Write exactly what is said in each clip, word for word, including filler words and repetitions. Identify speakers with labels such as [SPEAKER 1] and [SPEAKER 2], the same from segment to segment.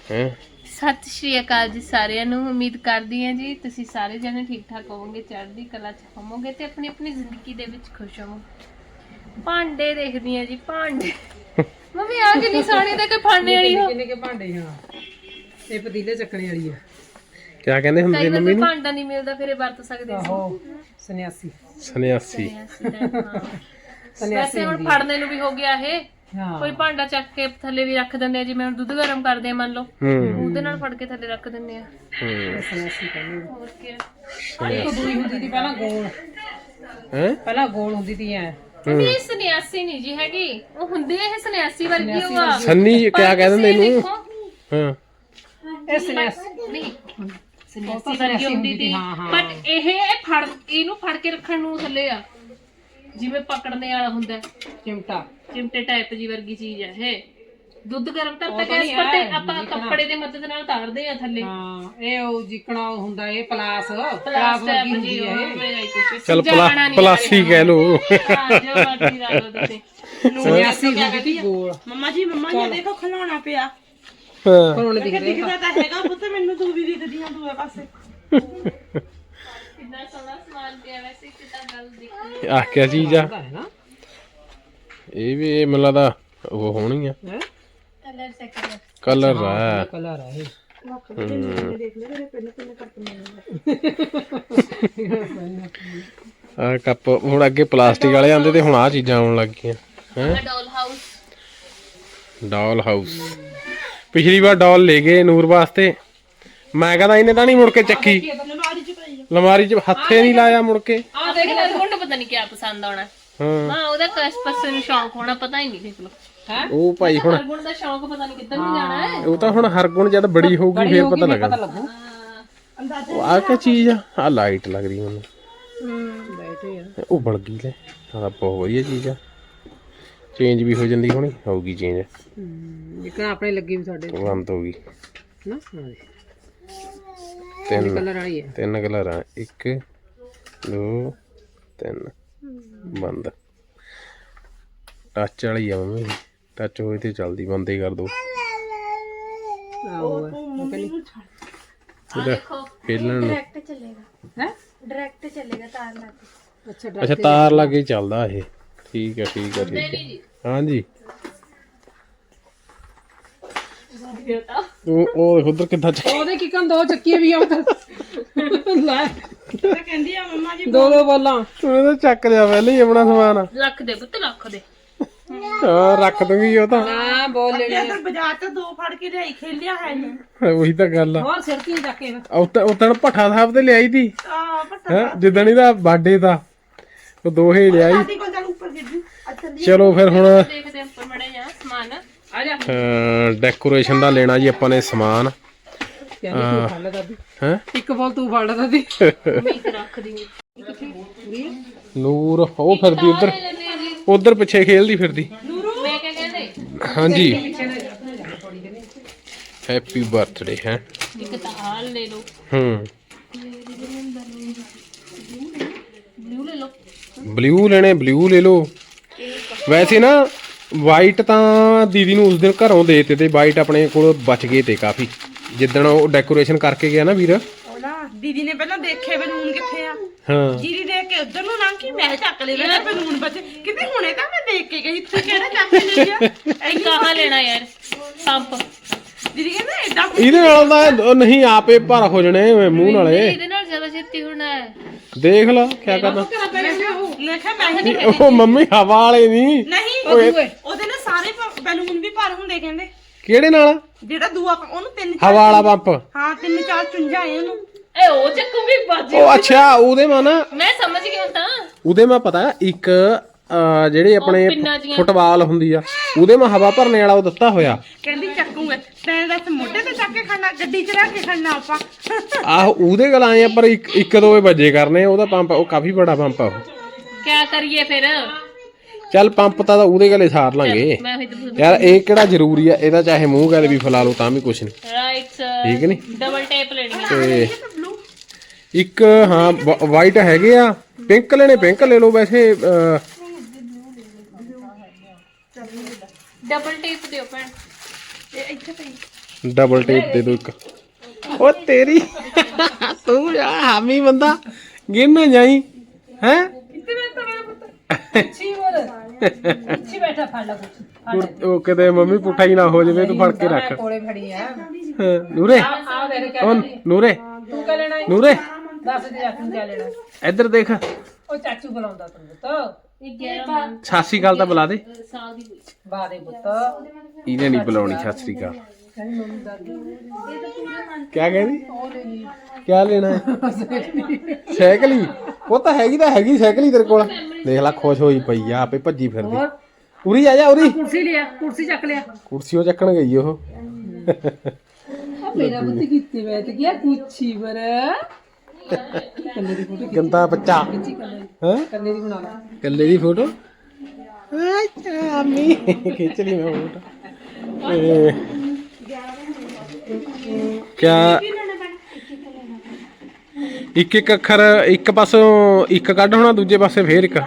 [SPEAKER 1] हैं
[SPEAKER 2] सत श्री अकाल जी सारिਆਂ ਨੂੰ ਉਮੀਦ ਕਰਦੀ ਹਾਂ ਜੀ ਤੁਸੀਂ ਸਾਰੇ ਜਣੇ ਠੀਕ ਠਾਕ ਹੋਵੋਗੇ ਚੜ੍ਹਦੀ ਕਲਾ ਚ ਹੋਵੋਗੇ ਤੇ ਆਪਣੀ ਆਪਣੀ ਜ਼ਿੰਦਗੀ ਦੇ ਵਿੱਚ ਖੁਸ਼ ਹੋਵੋਗੇ ਭਾਂਡੇ ਦੇਖਦੀ ਆ ਜੀ ਭਾਂਡੇ ਮੰਮੀ ਆ ਕਿੰਨੀ ਸੋਹਣੀ ਤੇ ਕੋਈ ਭਾਂਡੇ ਵਾਲੀ ਹੋ
[SPEAKER 3] ਕਿੰਨੇ ਕੇ ਭਾਂਡੇ ਹਾਂ ਇਹ ਪਤੀਲੇ ਚੱਕਣੇ ਵਾਲੀ ਆ
[SPEAKER 1] क्या कहते ਹੁੰਦੇ
[SPEAKER 2] ਕਈ
[SPEAKER 1] ਮੰਮੀ
[SPEAKER 2] ਵਾਰ
[SPEAKER 1] ਨੂੰ
[SPEAKER 2] ਭਾਂਡਾ ਨਹੀਂ ਮਿਲਦਾ ਫਿਰ ਇਹ ਵਰਤ ਸਕਦੇ ਸੀ
[SPEAKER 3] ਆਹੋ ਸੰਨਿਆਸੀ
[SPEAKER 1] ਸੰਨਿਆਸੀ
[SPEAKER 2] ਵੈਸੇ ਹੁਣ ਫੜਨੇ ਨੂੰ ਵੀ ਹੋ ਗਿਆ ਇਹ
[SPEAKER 3] ਹਾਂ
[SPEAKER 2] ਕੋਈ ਭਾਂਡਾ ਚੱਕ ਕੇ ਥੱਲੇ ਵੀ ਰੱਖ ਦਿੰਦੇ ਆ ਜਿਵੇਂ ਹੁਣ ਦੁੱਧ ਗਰਮ ਕਰਦੇ ਆ ਮੰਨ ਲਓ
[SPEAKER 1] ਹੂੰ
[SPEAKER 2] ਉਹਦੇ ਨਾਲ ਫੜ ਕੇ ਥੱਲੇ ਰੱਖ ਦਿੰਦੇ ਆ
[SPEAKER 1] ਹੂੰ
[SPEAKER 3] ਸੰਨਿਆਸੀ ਕਹਿੰਦੇ
[SPEAKER 2] ਹੋਰ ਕੀ
[SPEAKER 3] ਇੱਕ ਦੂਈ ਹੁੰਦੀ ਸੀ ਪਹਿਲਾਂ ਗੋਲ
[SPEAKER 1] हैं
[SPEAKER 3] ਪਹਿਲਾਂ ਗੋਲ ਹੁੰਦੀ ਸੀ ਐ
[SPEAKER 2] ਮੰਮੀ ਇਹ ਸੰਨਿਆਸੀ ਨਹੀਂ ਜੀ ਹੈਗੀ ਉਹ ਹੁੰਦੀ ਹੈ ਇਹ ਸੰਨਿਆਸੀ ਵਰਗੀ ਉਹ ਆ
[SPEAKER 1] सन्नी क्या कहते ਹੁੰਦੇ ਇਹਨੂੰ
[SPEAKER 2] ਦੇਖੋ
[SPEAKER 1] ਹਾਂ
[SPEAKER 3] ਇਹ ਸੰਨਿਆਸੀ
[SPEAKER 2] ਨਹੀਂ ਸੰਨਿਆਸੀ ਵਰਗੀ ਹੁੰਦੀ ਸੀ ਬਟ ਇਹ ਫੜ ਇਹਨੂੰ ਫੜ ਕੇ ਰੱਖਣ ਨੂੰ ਥੱਲੇ ਆ ਜਿਵੇਂ ਪਕੜਨੇ ਵਾਲਾ ਹੁੰਦਾ ਹੈ,
[SPEAKER 3] ਚਿਮਟਾ
[SPEAKER 2] ਚਿਮਟੇ ਟਾਈਪ ਜੀ ਵਰਗੀ ਚੀਜ਼ ਹੈ ਇਹ ਦੁੱਧ ਗਰਮ ਕਰਤਾ ਗੈਸ ਪਰ ਤੇ ਆਪਾਂ ਕੱਪੜੇ ਦੇ ਮਦਦ ਨਾਲ ਤਾਰਦੇ ਆ ਥੱਲੇ
[SPEAKER 3] ਹਾਂ ਇਹ ਉਹ ਜਿਕਣਾ ਹੁੰਦਾ ਇਹ ਪਲਾਸ ਪਲਾਸ
[SPEAKER 2] ਪਲਾਸ
[SPEAKER 3] ਵਰਗੀ
[SPEAKER 2] ਟਾਈਪ
[SPEAKER 3] ਹੁੰਦੀ
[SPEAKER 2] ਜੀ
[SPEAKER 3] ਹੈ
[SPEAKER 2] ਉਹ
[SPEAKER 3] ਇਹ
[SPEAKER 2] ਮੇਰਾ ਕੁਝ
[SPEAKER 1] चल पला पलासी कह लो
[SPEAKER 2] ਹਾਂ ਜੋ ਮਰਜ਼ੀ ਲਾ ਲਓ ਤੁਸੀਂ
[SPEAKER 3] ਸੰਨਿਆਸੀ ਹੁੰਦੀ ਸੀ ਗੋਲ
[SPEAKER 4] ਮੰਮਾ ਜੀ ਮੰਮਾ ਜੀ ਦੇਖੋ ਖਿਲਾਉਣਾ ਪਿਆ
[SPEAKER 1] हाँ
[SPEAKER 3] ਹੁਣ ਦਿਖ ਰਿਹਾ
[SPEAKER 4] ਦਿਖਦਾ ਤਾਂ ਹੈਗਾ ਪੁੱਤ ਮੈਨੂੰ ਤੂੰ ਵੀ ਦਿਖਦੀਆਂ ਦੂਏ ਪਾਸੇ
[SPEAKER 2] ਕਿੰਨਾ ਸੋਹਣਾ ਸਮਾਨ ਪਿਆ ਵੈਸੇ ਕਿਤਾ ਗੱਲ ਦੇਖੀ
[SPEAKER 1] आ क्या चीज आ
[SPEAKER 3] ਹੈ ਨਾ
[SPEAKER 1] ये भी ये मतलब दा वो होनी है
[SPEAKER 3] ਹੈ
[SPEAKER 2] ਕਲਰ ਸੈਕਟਰ
[SPEAKER 1] कलर है
[SPEAKER 3] ਕਲਰ ਹੈ ਇਹ
[SPEAKER 4] ਦੇਖ ਲੈ ਮੇਰੇ ਪਿੰਨ ਪਿੰਨ ਕਰਕੇ
[SPEAKER 1] आ कप हुण अगे प्लास्टिक वाले आंदे ते हुण आ चीजां आउण लग गईयां हैं
[SPEAKER 2] ਡੋਲ ਹਾਊਸ
[SPEAKER 1] डॉल हाउस पिछली बार डॉल ले गए नूर वास्ते मैं कहता इन्हें तो नहीं मुड़ के चक्की
[SPEAKER 4] ਲਮਾਰੀ ਚ ਪਈ
[SPEAKER 1] लमारी च हथे नहीं लाया मुड़ के
[SPEAKER 2] ਆ ਦੇਖ ਲੈ ਤੁਹਾਨੂੰ ਪਤਾ ਨਹੀਂ ਕੀ ਪਸੰਦ ਆਉਣਾ
[SPEAKER 1] हाँ
[SPEAKER 2] ਹਾਂ ਉਹਦਾ ਕਿਸ ਪਾਸੇ ਨੂੰ ਸ਼ੌਂਕ ਹੋਣਾ ਪਤਾ ਹੀ ਨਹੀਂ ਦੇਖ ਲਓ
[SPEAKER 1] ਉਹ ਭਾਈ ਹੁਣ
[SPEAKER 2] ਹਰਗੁਣ ਦਾ ਸ਼ੌਂਕ ਪਤਾ ਨਹੀਂ ਕਿੱਧਰ ਨੂੰ ਜਾਣਾ ਹੈ
[SPEAKER 1] ਉਹ ਤਾਂ ਹੁਣ ਹਰ ਗੁਣ ਜਦ ਬੜੀ ਹੋਊਗੀ ਫੇਰ ਪਤਾ
[SPEAKER 3] ਪਤਾ
[SPEAKER 1] ਲੱਗਾ
[SPEAKER 3] ਲੱਗੂ
[SPEAKER 1] ਉਹ ਆ ਕੀ ਚੀਜ਼ ਆ ਆ ਲਾਈਟ ਲੱਗ ਰਹੀ ਮੈਨੂੰ
[SPEAKER 3] ਬੈਠੇ ਆ
[SPEAKER 1] ਉਹ ਬਣ ਗਈ ਲੈ ਆ ਬਹੁਤ ਵਧੀਆ ਚੀਜ਼ ਆ ਚੇਂਜ ਵੀ ਹੋ ਜਾਂਦੀ ਹੋਣੀ ਹੋਊਗੀ ਚੇਂਜ
[SPEAKER 3] ਜਿਕਣਾ ਆਪਣੇ ਲੱਗੀ ਵੀ ਸਾਡੇ
[SPEAKER 1] ਬੰਦ ਹੋ ਗਈ
[SPEAKER 3] ਨਾ ਹਾਂ
[SPEAKER 1] ਤਿੰਨ
[SPEAKER 3] ਕਲਰ ਵਾਲੀ ਹੈ
[SPEAKER 1] ਤਿੰਨ ਕਲਰ ਆ ਇੱਕ ਦੋ ਤਿੰਨ ਬੰਦ ਟੱਚ ਵਾਲੀ ਆ ਮੰਮੀ ਟੱਚ ਹੋਏ ਤੇ ਚੱਲਦੀ ਬੰਦ ਹੀ ਕਰ ਦੋ
[SPEAKER 3] ਆਹੋ ਉਹ ਕਹਿੰਦੀ
[SPEAKER 1] ਇਹਦਾ ਖੇਲਣ ਨੂੰ
[SPEAKER 2] ਡਾਇਰੈਕਟ ਚੱਲੇਗਾ
[SPEAKER 3] ਹੈ
[SPEAKER 2] ਡਾਇਰੈਕਟ ਚੱਲੇਗਾ ਤਾਰ ਲਾ ਕੇ
[SPEAKER 3] ਅੱਛਾ
[SPEAKER 1] ਅੱਛਾ ਤਾਰ ਲਾ ਕੇ ਚੱਲਦਾ ਇਹ ਠੀਕ ਹੈ ਠੀਕ ਹੈ ਠੀਕ ਹੈ
[SPEAKER 2] ਜੀ
[SPEAKER 1] ਹਾਂਜੀ ਉਹ ਉਹ ਉਧਰ ਕਿੱਦਾਂ ਚੱਕ
[SPEAKER 3] ਉਹਦੇ ਕੀ ਕੰਨ ਦੋ ਚੱਕੀਆਂ ਵੀ ਆ ਉਧਰ ਲੈ
[SPEAKER 4] ਤਾਂ ਕਹਿੰਦੀ ਆ ਮੰਮਾ ਜੀ
[SPEAKER 3] ਦੋ ਦੋ ਬੋਲਾਂ
[SPEAKER 1] ਉਹਨੇ ਤਾਂ ਚੱਕ ਲਿਆ ਪਹਿਲੇ ਹੀ ਆਪਣਾ ਸਮਾਨ
[SPEAKER 2] ਲੱਖ ਦੇ ਪੁੱਤ ਲੱਖ ਦੇ
[SPEAKER 1] ਹਾਂ ਰੱਖ ਦੂੰਗੀ ਉਹ ਤਾਂ
[SPEAKER 3] ਹਾਂ ਬੋਲ ਲੈਣੀ
[SPEAKER 4] ਇੱਧਰ ਬਾਜ਼ਾਰ ਤੋਂ ਦੋ ਫੜ ਕੇ ਲਿਆਈ ਖੇਲਿਆ ਹੈ ਨਹੀਂ
[SPEAKER 1] ਉਹੀ ਤਾਂ ਗੱਲ ਆ
[SPEAKER 3] ਹੋਰ ਸਿਰਕੀ ਚੱਕ ਕੇ
[SPEAKER 1] ਉਤਨ ਉਤਨ ਭੱਠਾ ਸਾਹਿਬ ਤੇ ਲਿਆਈ ਤੀ
[SPEAKER 4] ਆ ਪਤਾ
[SPEAKER 1] ਹੈ ਜਿੱਦਣ ਇਹਦਾ ਬਰਥਡੇ ਦਾ ਉਹ ਦੋਹੇ ਲਿਆਈ
[SPEAKER 4] ਦਾਦੀ ਕੋਲ ਚੱਲ ਉੱਪਰ ਗਿਰ ਅੱਛਾ ਦੀ
[SPEAKER 1] ਚਲੋ ਫਿਰ ਹੁਣ
[SPEAKER 2] ਦੇਖਦੇ ਉੱਪਰ ਮੜੇ ਜਾ ਸਮਾਨ
[SPEAKER 3] ਆ ਜਾ
[SPEAKER 1] ਡੈਕੋਰੇਸ਼ਨ ਦਾ ਲੈਣਾ ਜੀ ਆਪਾਂ ਨੇ ਸਮਾਨ
[SPEAKER 3] ਕਹਿੰਦੀ ਤੂੰ ਫੜ ਲੈ ਦਾਦੀ
[SPEAKER 1] ਹੈ
[SPEAKER 3] ਇੱਕ ਬੋਲ ਤੂੰ ਫੜ ਲੈ ਦਾਦੀ
[SPEAKER 2] ਮੈਂ ਇੱਕ ਰੱਖ ਦੀ
[SPEAKER 1] ਨੂਰ ਉਹ ਫਿਰਦੀ ਉਧਰ ਉਧਰ ਪਿੱਛੇ ਖੇਲਦੀ ਫਿਰਦੀ
[SPEAKER 2] ਮੈਂ ਕਿਆ ਕਹਿੰਦੇ
[SPEAKER 1] ਹਾਂਜੀ ਹੈਪੀ ਬਰਥਡੇ ਹੈ
[SPEAKER 2] ਇੱਕ ਤਾਂ ਹਾਲ ਲੈ ਲਓ
[SPEAKER 1] ਹੂੰ
[SPEAKER 2] ਬਲੂ ਲੈ ਲਓ
[SPEAKER 1] ਬਲੂ ਲੈਣੇ ਬਲੂ ਲੈ ਲਓ ਵੈਸੇ ਨਾ ਵਾਈਟ ਤਾਂ ਦੀਦੀ ਨੂੰ ਉਸ ਦਿਨ ਘਰੋਂ ਦੇ ਦਿੱਤੇ ਤੇ ਵਾਈਟ ਆਪਣੇ ਕੋਲ ਬਚ ਗਏ ਤੇ ਕਾਫੀ ਜਿੱਦਣ ਉਹ ਡੈਕੋਰੇਸ਼ਨ ਕਰਕੇ ਗਿਆ ਨਾ ਵੀਰ
[SPEAKER 4] ਉਹਦਾ ਦੀਦੀ ਨੇ ਪਹਿਲਾਂ ਦੇਖੇ ਬਲੂਨ ਕਿੱਥੇ ਆ
[SPEAKER 1] ਹਾਂ
[SPEAKER 4] ਜੀਰੀ ਦੇਖ ਕੇ ਉਧਰ ਨੂੰ ਲੰਘ ਕੇ ਮੈਂ ਚੱਕ ਲਏ ਮੈਂ ਬਲੂਨ ਬਚੇ ਕਿਤੇ ਹੁਣੇ ਤਾਂ ਮੈਂ ਦੇਖ ਕੇ ਗਈ ਤੂੰ ਕਿਹੜਾ ਚੱਕ ਕੇ ਲੈ ਗਿਆ
[SPEAKER 2] ਇੱਕ ਆਹ ਲੈਣਾ ਯਾਰ ਪੰਪ
[SPEAKER 4] ਦੀਦੀ ਕਹਿੰਦਾ ਏਦਾਂ
[SPEAKER 1] ਇਹਦੇ ਨਾਲ ਤਾਂ ਉਹ ਨਹੀਂ ਆਪੇ ਭਰ ਹੋ ਜਣੇ ਮੂੰਹ ਨਾਲੇ
[SPEAKER 2] ਇਹਦੇ ਨਾਲ ਜ਼ਿਆਦਾ ਛੇਤੀ ਹੋਣਾ ਹੈ
[SPEAKER 1] ਦੇਖ ਲਾ ਕੀ ਕਰਨਾ
[SPEAKER 4] ਮੈਂ ਕਿਹਾ ਮੈਂ ਹੀ
[SPEAKER 1] ਨਹੀਂ, ਉਹ ਮੰਮੀ ਹਵਾ ਵਾਲੇ ਨਹੀਂ
[SPEAKER 4] ਨਹੀਂ ਉਹਦੇ ਨਾਲ ਸਾਰੇ ਪ- ਬੈਲੂਨ ਵੀ ਭਰ ਹੁੰਦੇ ਕਹਿੰਦੇ
[SPEAKER 1] ਕਿਹੜੇ ਨਾਲ
[SPEAKER 4] ਜਿਹੜਾ ਦੂਆ ਪ- ਉਹਨੂੰ ਤਿੰਨ
[SPEAKER 1] ਹਵਾ ਵਾਲਾ ਪੰਪ
[SPEAKER 4] ਹਾਂ ਤਿੰਨ ਚਾਰ ਚੁੰਝਾਂ ਆਏ ਉਹਨੂੰ
[SPEAKER 2] ਏ ਉਹ ਚੱਕੂਗੀ ਬਾਜੀ
[SPEAKER 1] ਉਹ ਅੱਛਾ ਉਹਦੇ ਮਾ ਨਾ
[SPEAKER 2] ਮੈਂ ਸਮਝ ਗਈ ਹੁਣ ਤਾਂ
[SPEAKER 1] ਉਹਦੇ ਮਾ ਪਤਾ ਇੱਕ ਅਹ, ਜਿਹੜੇ ਆਪਣੇ
[SPEAKER 2] ਪਿੰਨਾਂ ਜਿਹੀਆਂ।
[SPEAKER 1] ਫੁੱਟਬਾਲ ਹੁੰਦੀ ਆ ਉਹਦੇ ਮਾ ਹਵਾ ਭਰਨੇ ਵਾਲਾ ਉਹ ਦਿੱਤਾ ਹੋਇਆ
[SPEAKER 4] ਕਹਿੰਦੀ ਚੱਕੂਗੇ ਤੈਨੂੰ ਦੱਸ ਮੋਢੇ ਤੇ ਚੱਕ ਕੇ ਖੜਨਾ ਗੱਡੀ 'ਚ ਰੱਖ ਕੇ ਖੜਨਾ ਆਪਾਂ
[SPEAKER 1] ਆਹੋ ਉਹਦੇ ਗੱਲ ਆਏ ਆ ਪਰ ਇੱਕ ਇੱਕ ਦੋ ਵੱਜੇ ਕਰਨੇ ਉਹਦਾ ਪੰਪ ਉਹ ਕਾਫੀ ਬੜਾ ਪੰਪ ਆ ਉਹ
[SPEAKER 2] ਕਿਆ ਕਰੀਏ ਫਿਰ
[SPEAKER 1] ਚੱਲ ਪੰਪ ਤਾਂ ਉਹਦੇ ਗਲੇ ਸਾਰ ਲਾਂਗੇ
[SPEAKER 2] ਮੈਂ ਉਹੀ ਤਾਂ
[SPEAKER 1] ਯਾਰ ਇਹ ਕਿਹੜਾ ਜ਼ਰੂਰੀ ਆ ਇਹਦਾ ਚਾਹੇ ਮੂੰਹ ਗੱਲ ਵੀ ਫਲਾ ਲਓ ਤਾਂ ਵੀ ਕੁਛ ਨਹੀਂ
[SPEAKER 2] ਰਾਈਟ
[SPEAKER 1] ਠੀਕ ਨਹੀਂ
[SPEAKER 2] ਡਬਲ ਟੇਪ ਲੈਣੀ ਹੈ
[SPEAKER 1] ਤੇ ਇੱਕ ਹਾਂ ਵਾਈਟ ਹੈਗੇ ਆ ਪਿੰਕ ਲੈਣੇ ਪਿੰਕ ਲੈ ਲਓ ਵੈਸੇ ਅਹ,
[SPEAKER 2] ਡਬਲ ਟੇਪ ਦਿਓ ਭੈਣ
[SPEAKER 4] ਇਹ ਇੱਥੇ ਪਈ
[SPEAKER 1] ਡਬਲ ਟੇਪ ਦੇ ਦੋ ਇੱਕ। ਉਹ ਤੇਰੀ ਤੂੰ ਯਾ ਹਾਮੀ ਬੰਦਾ ਗਿਣ ਨਾ ਜਾਈ ਹੈ।
[SPEAKER 3] ਅੱਛੀ ਬੋਲ ਅੱਛੀ ਬੈਠਾ ਫੜ ਲਾ ਕੁਛ
[SPEAKER 1] ਉਹ ਕਿਤੇ ਮੰਮੀ ਪੁੱਠਾ ਹੀ ਨਾ ਹੋ ਜਾਵੇ ਤੂੰ ਫੜ ਕੇ ਰੱਖ।
[SPEAKER 3] ਕੋਲੇ ਖੜੀ ਆ
[SPEAKER 1] ਹਾਂ, ਨੂਰੇ
[SPEAKER 3] ਆ ਮੇਰੇ ਕਿਆ
[SPEAKER 1] ਉਹ ਨੂਰੇ
[SPEAKER 3] ਤੂੰ ਕਹ ਲੈਣਾ
[SPEAKER 1] ਨੂਰੇ
[SPEAKER 3] ਦੱਸ ਦੇ ਜਾ ਤੂੰ ਕਿਆ ਲੈਣਾ।
[SPEAKER 1] ਇੱਧਰ ਦੇਖ।
[SPEAKER 3] ਉਹ ਚਾਚੂ ਬੁਲਾਉਂਦਾ ਤੈਨੂੰ ਪੁੱਤ
[SPEAKER 2] ਇਹ ਗਿਆਰਾਂ
[SPEAKER 1] ਸਤਿ ਸ਼੍ਰੀ ਅਕਾਲ ਤਾਂ ਬੁਲਾ ਦੇ।
[SPEAKER 2] ਸਾਲ ਦੀ ਹੋਈ।
[SPEAKER 3] ਬਾਹ ਦੇ ਪੁੱਤ
[SPEAKER 1] ਇਹਨੇ ਨਹੀਂ ਬੁਲਾਉਣੀ ਸਤਿ ਸ਼੍ਰੀ ਅਕਾਲ।
[SPEAKER 3] ਕਹਿੰਦੀ ਮੰਮੀ ਦਾਦੀ
[SPEAKER 1] ਕਿਆ ਕਹਿੰਦੀ
[SPEAKER 3] ਉਹ ਲੈ ਲਈ
[SPEAKER 1] ਕਿਆ ਲੈਣਾ ਹੈ? ਸਾਈਕਲ ਹੀ ਉਹ ਤਾਂ ਹੈਗੀ ਤਾਂ ਹੈਗੀ ਸਾਈਕਲ ਹੀ ਤੇਰੇ ਕੋਲ। ਦੇਖ ਲੈ ਖੁਸ਼ ਹੋਈ ਪਈ ਆ ਆਪੇ ਭੱਜੀ ਫਿਰਦੀ।
[SPEAKER 3] ਹੋਰ
[SPEAKER 1] ਉਰੀ ਆ ਜਾ ਉਰੀ।
[SPEAKER 3] ਕੁਰਸੀ ਲਿਆ ਕੁਰਸੀ ਚੱਕ ਲਿਆ
[SPEAKER 1] ਕੁਰਸੀ ਉਹ ਚੱਕਣ ਗਈ ਉਹ।
[SPEAKER 3] ਆ ਮੇਰਾ ਪੁੱਤ ਕਿੱਥੇ ਬੈਠ ਗਿਆ ਕੁਛੀ ਪਰ ਕੰਨੇ ਦੀ ਫੋਟੋ
[SPEAKER 1] ਗੰਦਾ ਬੱਚਾ
[SPEAKER 3] ਖਿੱਚੀ ਕੰਨੇ
[SPEAKER 1] ਹੈ
[SPEAKER 3] ਕੰਨੇ ਦੀ ਬਣਾ ਲਾ
[SPEAKER 1] ਕੱਲੇ ਦੀ ਫੋਟੋ। ਅੱਛਾ ਅੰਮੀ ਖਿੱਚ ਲਈ ਮੈਂ ਫੋਟੋ। ਇਹ ਕਿਆ ਇੱਕ ਇੱਕ ਅੱਖਰ ਇੱਕ ਪਾਸੋਂ ਇੱਕ ਕੱਢ ਹੋਣਾ ਦੂਜੇ ਪਾਸੇ ਫੇਰ ਇੱਕ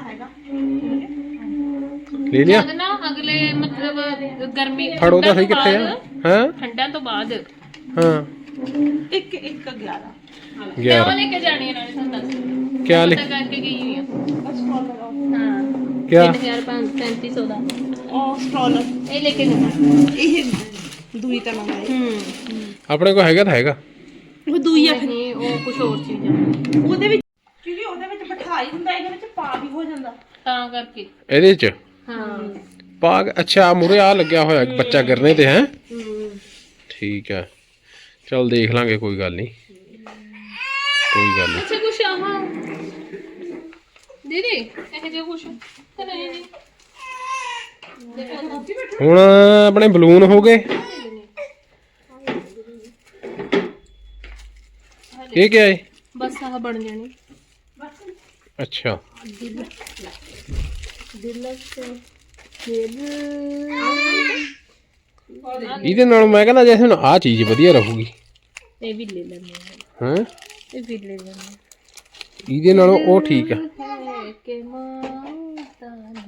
[SPEAKER 1] ਲੈ ਲਿਆ।
[SPEAKER 2] ਜਦ ਨਾ ਅਗਲੇ ਮਤਲਬ ਗਰਮੀ
[SPEAKER 1] ਫੜੋ ਤਾਂ ਸਹੀ
[SPEAKER 2] ਠੰਡਾਂ
[SPEAKER 1] ਕਿੱਥੇ
[SPEAKER 2] ਤੋਂ
[SPEAKER 1] ਆ
[SPEAKER 2] ਬਾਅਦ-
[SPEAKER 1] ਹਾਂ
[SPEAKER 2] ਠੰਡਾਂ ਤੋਂ ਬਾਅਦ
[SPEAKER 1] ਹਾਂ
[SPEAKER 4] ਇੱਕ ਇੱਕ ਗਿਆਰਾਂ
[SPEAKER 2] ਕਿਉਂ
[SPEAKER 1] ਗਿਆਰਾਂ
[SPEAKER 2] ਲੈ ਕੇ ਜਾਣੀ ਹੈ ਨਾਲੇ ਤੁਹਾਨੂੰ ਦੱਸ
[SPEAKER 1] ਕਿਆ ਲੈ
[SPEAKER 2] ਪਤਾ ਕਰਕੇ ਗਈ ਹੋਈ ਆ ਹਾਂ
[SPEAKER 1] ਕਿਆ
[SPEAKER 2] ਤਿੰਨ ਹਜ਼ਾਰ ਪੰਜ ਸੌ ਪੈਂਤੀ ਸੌ ਦਾ
[SPEAKER 4] ਉਹ ਸਟ੍ਰੋਲਰ
[SPEAKER 2] ਇਹ ਲੈ ਕੇ ਜਾਣਾ।
[SPEAKER 4] ਇਹ ਦੂਈ ਤਾਂ ਮੰਗਾਈ
[SPEAKER 2] ਹੂੰ
[SPEAKER 1] ਆਪਣੇ ਕੋਲ ਹੈਗਾ ਤਾਂ ਹੈਗਾ।
[SPEAKER 4] ਉਹ ਦੂਈ ਆ
[SPEAKER 2] ਨਹੀਂ ਉਹ ਕੁਝ ਹੋਰ ਚੀਜ਼ ਆ
[SPEAKER 4] ਉਹਦੇ ਵਿੱਚ ਕਿਉਂਕਿ ਉਹਦੇ ਵਿੱਚ ਬਿਠਾਈ ਹੁੰਦਾ ਇਹਦੇ ਵਿੱਚ ਪਾ ਵੀ ਹੋ ਜਾਂਦਾ।
[SPEAKER 2] ਤਾਂ ਕਰਕੇ
[SPEAKER 1] ਇਹਦੇ ਚ
[SPEAKER 2] ਹਾਂ
[SPEAKER 1] ਪਾਗ ਅੱਛਾ ਮੂਰੇ ਆ ਲੱਗਿਆ ਹੋਇਆ ਬੱਚਾ ਗਿਰਨੇ ਤੇ ਹੈ।
[SPEAKER 2] ਹੂੰ
[SPEAKER 1] ਠੀਕ ਹੈ ਚਲ ਦੇਖ ਲਾਂਗੇ ਕੋਈ ਗੱਲ ਨਹੀਂ ਕੋਈ ਗੱਲ ਨਹੀਂ।
[SPEAKER 2] ਅੱਛਾ ਕੁਛ ਆਹਾਂ ਦੀਦੀ ਇਹ ਜੇ ਕੁਛ ਤੇ ਨਹੀਂ ਨਹੀਂ ਦੇਖੋ
[SPEAKER 1] ਹੁਣ ਆਪਣੇ ਬਲੂਨ ਹੋ ਗਏ। ਇਹ ਕੀ ਹੈ?
[SPEAKER 2] ਬਸ ਆਹ ਬਣ ਜਾਣੀ
[SPEAKER 1] ਅੱਛਾ
[SPEAKER 2] ਦਿਲ ਦਿਲ ਸੇ
[SPEAKER 1] ਇਹਦੇ ਨਾਲ ਮੈਂ ਕਹਿੰਦਾ ਜੈਸੇ ਹੁਣ ਆਹ ਚੀਜ਼ ਵਧੀਆ ਰਹੂਗੀ।
[SPEAKER 2] ਇਹ ਵੀ ਲੈ ਲੈਣੇ
[SPEAKER 1] ਹਾਂ
[SPEAKER 2] ਇਹ ਵੀ ਲੈ ਲੈਣੇ
[SPEAKER 1] ਇਹਦੇ ਨਾਲੋਂ ਉਹ ਠੀਕ ਆ।
[SPEAKER 2] ਹੈ ਕਿ ਮਾਤਾ